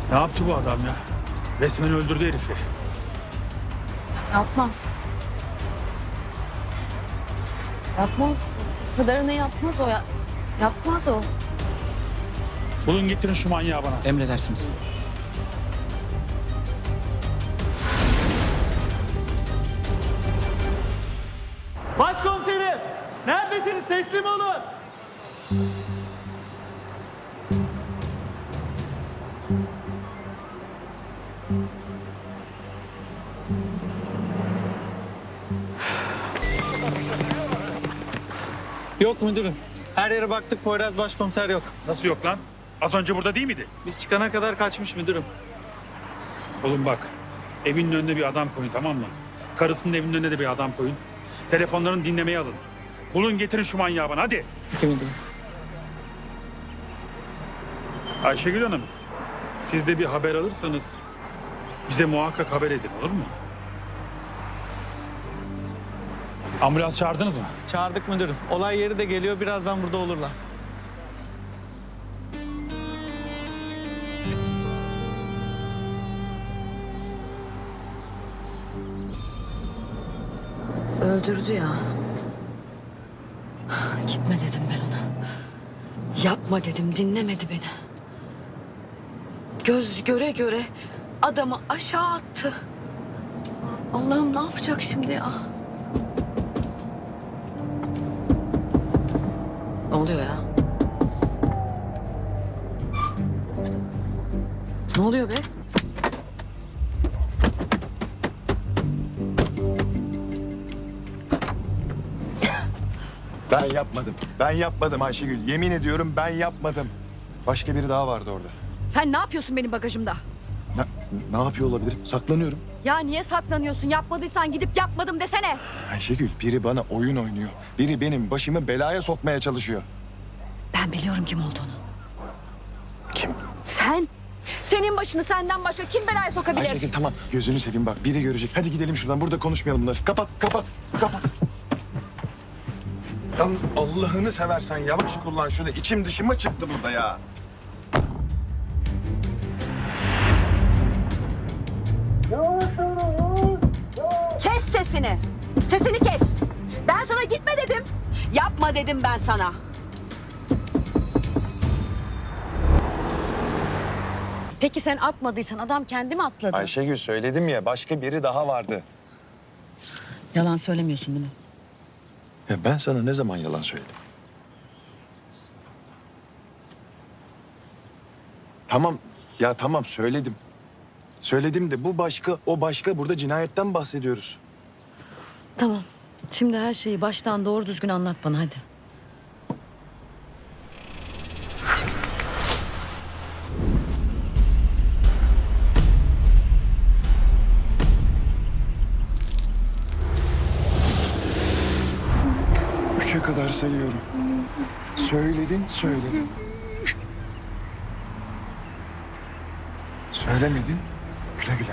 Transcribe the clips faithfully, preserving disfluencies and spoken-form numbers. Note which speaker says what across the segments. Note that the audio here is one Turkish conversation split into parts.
Speaker 1: Ne yaptı bu adam ya? Resmen öldürdü herifi.
Speaker 2: Yapmaz. Yapmaz. Bu kadarını yapmaz o ya. Yapmaz o.
Speaker 1: Bulun getirin şu manyağı bana.
Speaker 3: Emredersiniz.
Speaker 4: Başkomiserim! Neredesiniz? Teslim olun!
Speaker 3: Yok müdürüm. Her yere baktık, Poyraz başkomiser yok.
Speaker 1: Nasıl yok lan? Az önce burada değil miydi?
Speaker 3: Biz çıkana kadar kaçmış müdürüm.
Speaker 1: Oğlum bak, evinin önüne bir adam koyun, tamam mı? Karısının evinin önüne de bir adam koyun. Telefonlarını dinlemeye alın. Bulun getirin şu manyağı bana, hadi.
Speaker 3: Peki müdürüm.
Speaker 1: Ayşegül Hanım, siz de bir haber alırsanız bize muhakkak haber edin, olur mu? Ambulans çağırdınız mı?
Speaker 3: Çağırdık müdürüm. Olay yeri de geliyor. Birazdan burada olurlar.
Speaker 2: Öldürdü ya. Gitme dedim ben ona. Yapma dedim, dinlemedi beni. Göz göre göre adamı aşağı attı. Allah'ım ne yapacak şimdi ya? Ne oluyor ya? Ne oluyor be?
Speaker 5: Ben yapmadım. Ben yapmadım Ayşegül. Yemin ediyorum ben yapmadım. Başka biri daha vardı orada.
Speaker 2: Sen ne yapıyorsun benim bagajımda?
Speaker 5: Ne, ne yapıyor olabilirim? Saklanıyorum.
Speaker 2: Ya niye saklanıyorsun? Yapmadıysan gidip yapmadım desene.
Speaker 5: Ayşegül, biri bana oyun oynuyor. Biri benim başımı belaya sokmaya çalışıyor.
Speaker 2: Ben biliyorum kim olduğunu.
Speaker 5: Kim?
Speaker 2: Sen. Senin başını senden başka kim belaya sokabilir?
Speaker 5: Ayşegül tamam. Gözünü seveyim bak. Biri görecek. Hadi gidelim şuradan. Burada konuşmayalım bunları. Kapat, kapat, kapat. Yalnız Allah'ını seversen yavaş kullan şunu. İçim dışıma çıktı burada ya.
Speaker 2: Kes sesini. Sesini kes. Ben sana gitme dedim. Yapma dedim ben sana. Peki sen atmadıysan adam kendi mi atladı?
Speaker 5: Ayşegül söyledim ya başka biri daha vardı.
Speaker 2: Yalan söylemiyorsun değil mi?
Speaker 5: Ya ben sana ne zaman yalan söyledim? Tamam ya tamam söyledim. Söyledim de bu başka, o başka. Burada cinayetten bahsediyoruz.
Speaker 2: Tamam. Şimdi her şeyi baştan doğru düzgün anlat bana hadi.
Speaker 5: Üçe kadar sayıyorum. Söyledin, söyledin. Söylemedin, güle güle.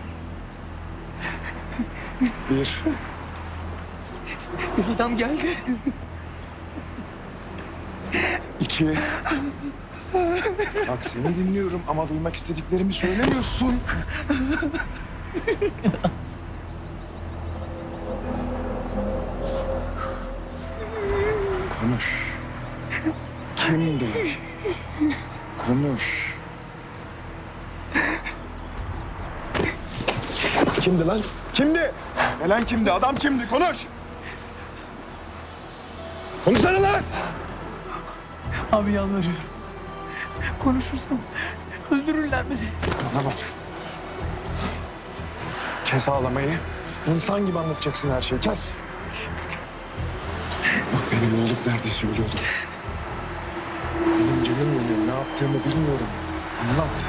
Speaker 5: Bir.
Speaker 3: Adam geldi.
Speaker 5: İki. Bak seni dinliyorum ama duymak istediklerimi söylemiyorsun. Konuş. Kimdi? Konuş. Kimdi lan? Kimdi? Gelen kimdi? Adam kimdi? Konuş. Konuşsana lan!
Speaker 4: Abi yalvarıyorum. Konuşursam öldürürler beni.
Speaker 5: Bana bak. Kes ağlamayı. İnsan gibi anlatacaksın her şeyi. Kes. Bak benim oğlum neredeyse ölüyordu. Benim canım yanıyor. Ne yaptığımı bilmiyorum. Anlat.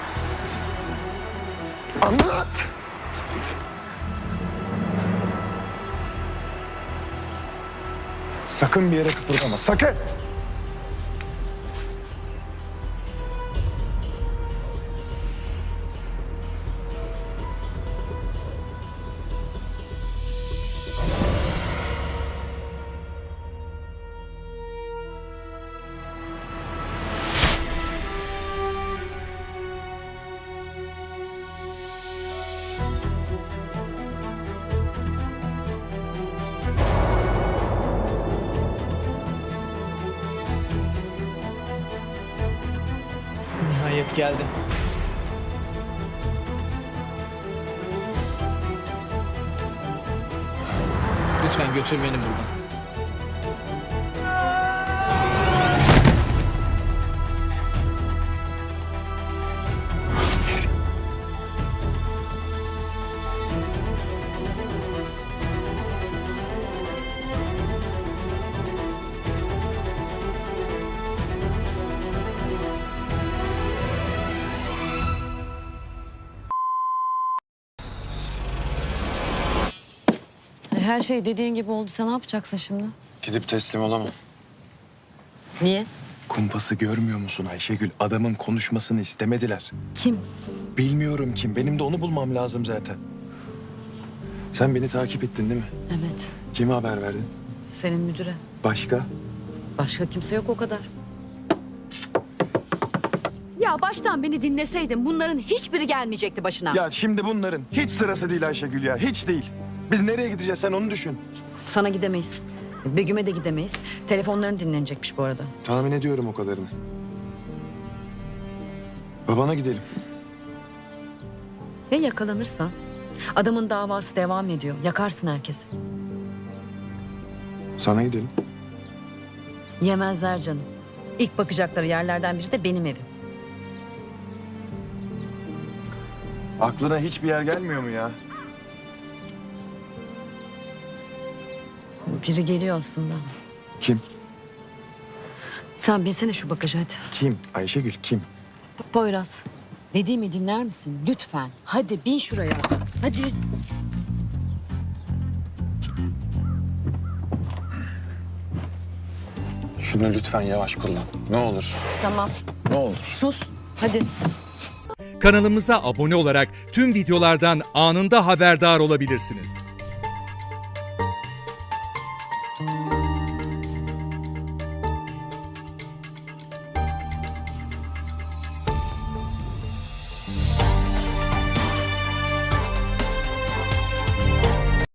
Speaker 5: Anlat! Sakın bir yere kıpırdama. Sakın!
Speaker 3: Ehliyet geldi. Lütfen götür beni buradan.
Speaker 2: Her şey dediğin gibi oldu. Sen ne yapacaksın şimdi?
Speaker 5: Gidip teslim olamam.
Speaker 2: Niye?
Speaker 5: Kumpası görmüyor musun Ayşegül? Adamın konuşmasını istemediler.
Speaker 2: Kim?
Speaker 5: Bilmiyorum kim. Benim de onu bulmam lazım zaten. Sen beni takip ettin değil mi?
Speaker 2: Evet.
Speaker 5: Kime haber verdin?
Speaker 2: Senin müdüre.
Speaker 5: Başka?
Speaker 2: Başka kimse yok o kadar. Ya baştan beni dinleseydin bunların hiçbiri gelmeyecekti başına.
Speaker 5: Ya şimdi bunların hiç sırası değil Ayşegül ya. Hiç değil. Biz nereye gideceğiz sen onu düşün.
Speaker 2: Sana gidemeyiz. Begüm'e de gidemeyiz. Telefonların dinlenecekmiş bu arada.
Speaker 5: Tahmin ediyorum o kadarını. Babana gidelim.
Speaker 2: Ya yakalanırsa? Adamın davası devam ediyor. Yakarsın herkesi.
Speaker 5: Sana gidelim.
Speaker 2: Yemezler canım. İlk bakacakları yerlerden biri de benim evim.
Speaker 5: Aklına hiçbir yer gelmiyor mu ya?
Speaker 2: Biri geliyor aslında.
Speaker 5: Kim?
Speaker 2: Sen binsene şu bagaja hadi.
Speaker 5: Kim? Ayşegül kim?
Speaker 2: Poyraz. Dediğimi dinler misin? Lütfen. Hadi bin şuraya. Hadi.
Speaker 5: Şunu lütfen yavaş kullan. Ne olur.
Speaker 2: Tamam.
Speaker 5: Ne olur.
Speaker 2: Sus. Hadi.
Speaker 6: Kanalımıza abone olarak tüm videolardan anında haberdar olabilirsiniz.